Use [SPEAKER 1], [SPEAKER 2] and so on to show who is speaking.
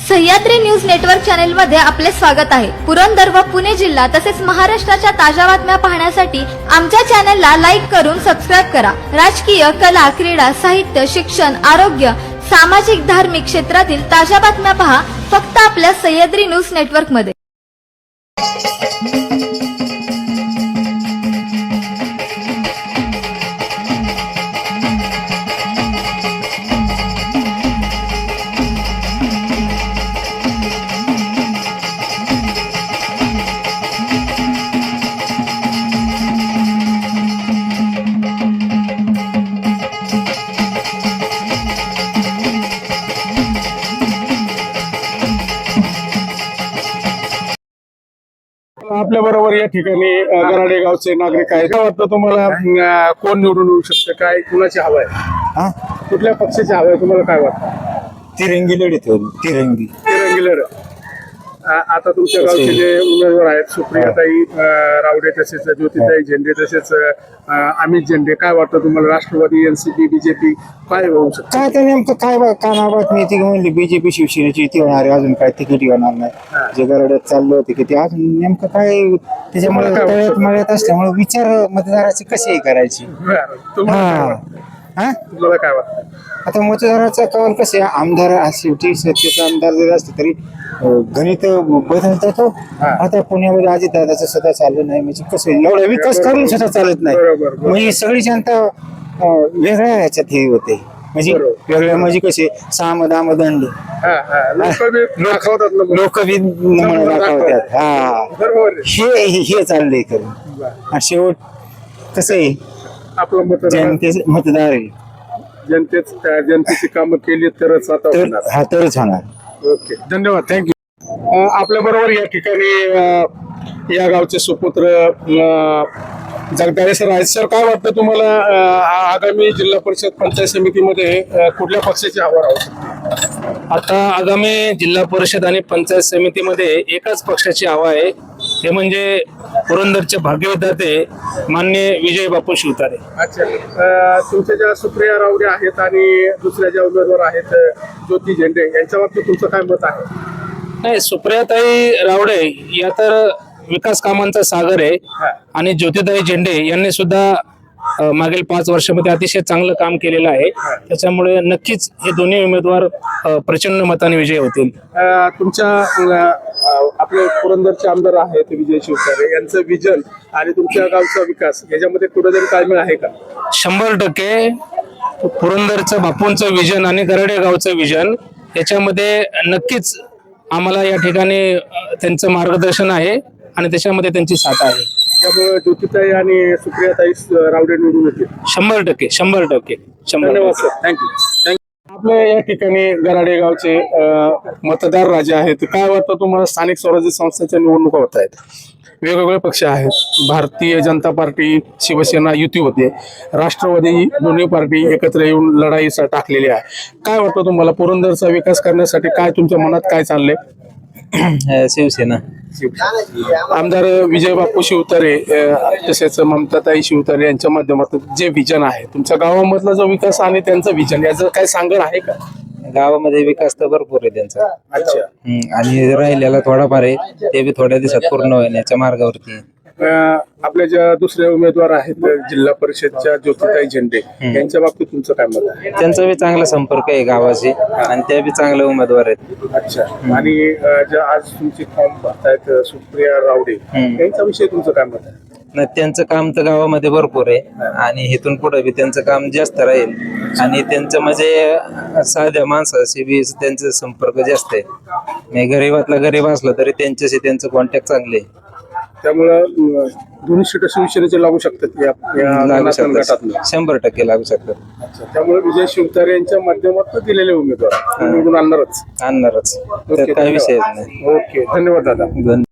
[SPEAKER 1] Sahyadri news network channel मध्ये आपले स्वागत आहे। पुरंदर व पुणे जिल्हा तसेच महाराष्ट्राच्या ताज्या बातम्या पाहण्यासाठी आमच्या चॅनलला लाईक करून सबस्क्राइब करा। राजकीय, कला, क्रीडा, साहित्य, शिक्षण, आरोग्य, सामाजिक, धार्मिक क्षेत्रातील ताज्या बातम्या पहा फक्त आपल्या सह्याद्री न्यूज नेटवर्क मध्ये।
[SPEAKER 2] आपल्या बरोबर या ठिकाणी गराडे गावचे नागरिक आहेत। काय वाटतं तुम्हाला कोण निवडून येऊ शकतं? काय कुणाची हवा आहे? कुठल्या पक्षाची हवा आहे तुम्हाला काय वाटतं?
[SPEAKER 3] तिरंगी लढत होती, तिरंगी
[SPEAKER 2] लढत। आता तुमच्या गावचे जे उमेदवार आहेत सुप्रियाताई रावडे तसेच ज्योतिताई झेंडे तसेच अमित झेंडे, काय वाटतं तुम्हाला? राष्ट्रवादी, एनसीपी, बीजेपी काय होऊ शकतं?
[SPEAKER 3] काय तर नेमकं काय बातमी ती म्हणली बीजेपी शिवसेनेची ती होणार आहे, अजून काय तिकीट होणार नाही। जे गरड्यात चाललं होते की ते अजून नेमकं काय त्याच्यामुळे तळ्यात मळ्यात असल्यामुळे विचार मतदाराची कशी करायची।
[SPEAKER 2] तुम्हाला काय वाटतं?
[SPEAKER 3] आता मतदाराचा कौल कसे आमदार शेवटी सत्तेचा आमदार जरी असले तरी गणित बदलतात तो। आता पुण्यामध्ये अजितदादाचं सुद्धा चाललं नाही म्हणजे कसं एवढा विकास करून सुद्धा चालत नाही। म्हणजे सगळी जनता वेगळ्या ह्याच्यात हे होते, म्हणजे वेगळ्या म्हणजे कसे साम दाम दंड लोक बी दाखवतात। हे चाललंय करून आणि शेवट कसं आहे
[SPEAKER 2] आपलं
[SPEAKER 3] जनतेच मतदार आहे,
[SPEAKER 2] जनतेची कामं केली तरच आता होणार।
[SPEAKER 3] हा तरच होणार।
[SPEAKER 2] ओके, धन्यवाद, थँक्यू। आपल्या बरोबर या ठिकाणी या गावचे सुपुत्र जगदाळे सर आहेत। सर, काय वाटतं तुम्हाला आगामी जिल्हा परिषद पंचायत समितीमध्ये कुठल्या पक्षाची हवा राहू शकते?
[SPEAKER 4] आता आगामी जिल्हा परिषद आणि पंचायत समितीमध्ये एकाच पक्षाची हवा आहे, ते म्हणजे पुरंदरचे भाग्यविधाते माननीय विजय बापू शिवतारे।
[SPEAKER 2] अच्छा, तुमच्या ज्या सुप्रिया रावडे आहेत आणि दुसऱ्या ज्या उमेदवार आहेत ज्योती झेंडे, यांच्या बाबतीत तुमचं काय मत आहे?
[SPEAKER 4] नाही, सुप्रियाताई रावडे या तर विकास कामांचा सागर आहे आणि ज्योतिताई झेंडे यांनी सुद्धा मागील 5 वर्षामध्ये अतिशय चांगलं काम केलेलं आहे। त्याच्यामुळे नक्कीच हे दोन्ही उमेदवार प्रचंड मताने विजयी होतील।
[SPEAKER 2] तुमच्या आपले पुरंदरचे आमदार आहेत विजय शिवतारे, यांचं विजन आणि तुमच्या गावचा विकास याच्यामध्ये कुठेतरी ताळमेळ आहे का?
[SPEAKER 4] 100% पुरंदरचं बापूंचं विजन आणि गराडे गावचं विजन याच्यामध्ये नक्कीच आम्हाला या ठिकाणी त्यांचं मार्गदर्शन आहे आणि त्याच्यामध्ये त्यांची साथ आहे।
[SPEAKER 2] त्यामुळे ज्योतिताई आणि सुप्रियाताई रावडे निवडून येतील
[SPEAKER 4] 100%।
[SPEAKER 2] धन्यवाद सर, थँक्यू। आपल्या या ठिकाणी गराडे गावचे मतदार राजे आहेत। काय वाटतं तुम्हाला? स्थानिक स्वराज्य संस्थांच्या निवडणुका होत आहेत, वेगवेगळे पक्ष आहेत, भारतीय जनता पार्टी, शिवसेना युती होते, राष्ट्रवादी, दोन्ही पार्टी एकत्र येऊन लढाईसाठी टाकलेली आहे। काय वाटतं तुम्हाला? पुरंदरचा विकास करण्यासाठी काय तुमच्या मनात काय चाललंय?
[SPEAKER 3] शिवसेना
[SPEAKER 2] आमदार विजय बापू शिवतारे तसेच ममताताई शिवतारे यांच्या माध्यमातून जे विजन आहे तुमच्या गावामधला जो विकास आणि त्यांचं विजन याचं काय सांगड आहे का?
[SPEAKER 3] गावामध्ये विकास तर भरपूर आहे त्यांचा।
[SPEAKER 2] अच्छा,
[SPEAKER 3] आणि राहिलेला थोडाफार आहे ते बी थोड्या दिवसात पूर्ण होण्याच्या मार्गावरती आहे।
[SPEAKER 2] आपल्या ज्या दुसरे उमेदवार आहेत जिल्हा परिषदच्या ज्योतिताई झेंडे, यांच्या बाबतीत तुमचं काय मत आहे?
[SPEAKER 3] त्यांचा बी चांगला संपर्क आहे गावाशी आणि त्या बी चांगले उमेदवार आहेत।
[SPEAKER 2] अच्छा, आणि ज्या आज तुमची फॉर्म भरतायत सुप्रिया रावडे, यांच्याविषयी तुमचं काय मत आहे?
[SPEAKER 3] नाही, त्यांचं काम तर गावामध्ये भरपूर आहे आणि इथून पुढे बी त्यांचं काम जास्त राहील आणि त्यांचं म्हणजे साध्या माणसाशी बी त्यांचा संपर्क जास्त आहे। गरीबातला गरीब असला तरी त्यांच्याशी त्यांचं कॉन्टॅक्ट चांगले आहे।
[SPEAKER 2] त्यामुळं दोन्ही सीट शिवसेनेचे लागू शकतात या
[SPEAKER 3] लागू शकतात,
[SPEAKER 2] गटातून
[SPEAKER 3] 100% लागू शकतात।
[SPEAKER 2] अच्छा, त्यामुळे विजय शिवतारे यांच्या माध्यमातून दिलेले उमेदवार निवडून आणणारच
[SPEAKER 3] आणणारच, तर काही विषयच नाही।
[SPEAKER 2] ओके, धन्यवाद दादा।